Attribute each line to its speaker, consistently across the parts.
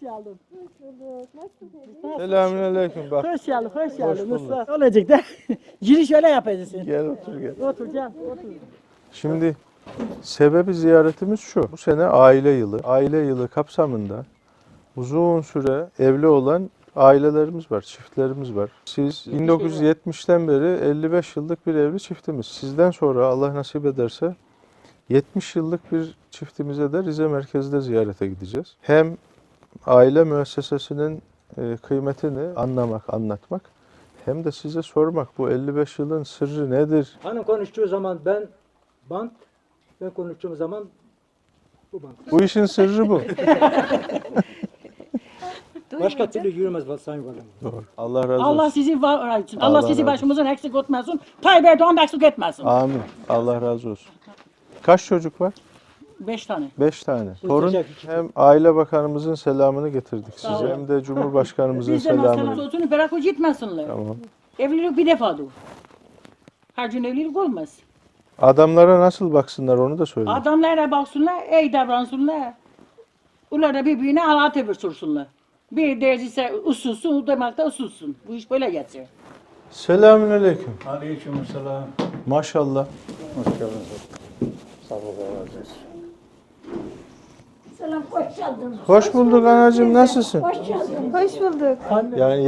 Speaker 1: geldin.
Speaker 2: Selamünaleyküm. Bak.
Speaker 1: Hoş geldin, hoş geldin.
Speaker 2: bulduk.
Speaker 1: Mustafa. Olacak da. Giriş öyle yapacaksın.
Speaker 2: Gel otur gel.
Speaker 1: Otur gel, otur.
Speaker 2: Şimdi sebebi ziyaretimiz şu. Bu sene aile yılı. Aile yılı kapsamında uzun süre evli olan ailelerimiz var, çiftlerimiz var. Siz 1970'ten beri 55 yıllık bir evli çiftimiz. Sizden sonra Allah nasip ederse 70 yıllık bir çiftimize de Rize merkezde ziyarete gideceğiz. Hem aile müessesesinin kıymetini anlamak, anlatmak hem de size sormak bu 55 yılın sırrı nedir?
Speaker 3: Hanım konuştuğu zaman bant, ben konuştuğum zaman bu bant.
Speaker 2: Bu işin sırrı bu.
Speaker 3: Başka türlü yürümez Sayın Valim.
Speaker 2: Doğru. Allah razı olsun.
Speaker 1: Allah sizi var etsin.
Speaker 2: Allah
Speaker 1: Allah sizi
Speaker 2: razı
Speaker 1: başımızdan eksik etmesin. Tayyip Erdoğan da eksik etmesin.
Speaker 2: Amin. Allah razı olsun. Kaç çocuk var?
Speaker 1: 5 tane.
Speaker 2: 5 tane. Torun
Speaker 3: Sıcak iki.
Speaker 2: hem Aile Bakanımızın selamını getirdik
Speaker 1: Sağ
Speaker 2: size
Speaker 1: olun.
Speaker 2: hem de Cumhurbaşkanımızın
Speaker 1: Bizden selam
Speaker 2: selamını.
Speaker 1: olsun, bırak o gitmesinler.
Speaker 2: Tamam.
Speaker 1: Evlilik bir defadır. Her gün evlilik olmaz.
Speaker 2: Adamlara nasıl baksınlar onu da söyle.
Speaker 1: Adamlara baksınlar, iyi davransınlar. Onlar da birbirine Allah tebir sorsunlar. Bir derecesi usulsün, o demek de usulsün. Bu iş böyle geçer.
Speaker 2: Selamünaleyküm.
Speaker 4: Aleykümselam.
Speaker 2: Maşallah.
Speaker 4: Hoş geldiniz. Sağ olun, razı olsun.
Speaker 5: Selam, hoş geldin.
Speaker 2: Hoş bulduk anacığım. Nasılsın?
Speaker 5: Hoş geldin.
Speaker 6: Hoş bulduk.
Speaker 2: Yani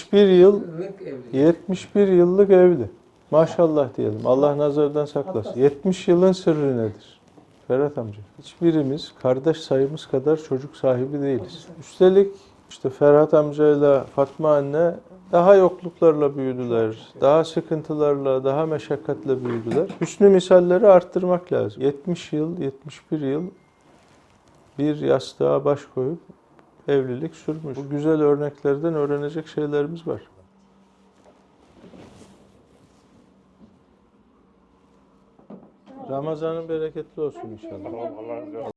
Speaker 2: 71 yıllık evli. Maşallah diyelim. Allah nazardan saklasın. 70 yılın sırrı nedir? Ferhat amca. Hiçbirimiz kardeş sayımız kadar çocuk sahibi değiliz. Üstelik işte Ferhat amcayla Fatma anne daha yokluklarla büyüdüler. Daha sıkıntılarla, daha meşakkatle büyüdüler. Hüsnü misalleri arttırmak lazım. 70 yıl, 71 yıl bir yastığa baş koyup evlilik sürmüş. Bu güzel örneklerden öğrenecek şeylerimiz var. Ramazanın bereketli olsun inşallah.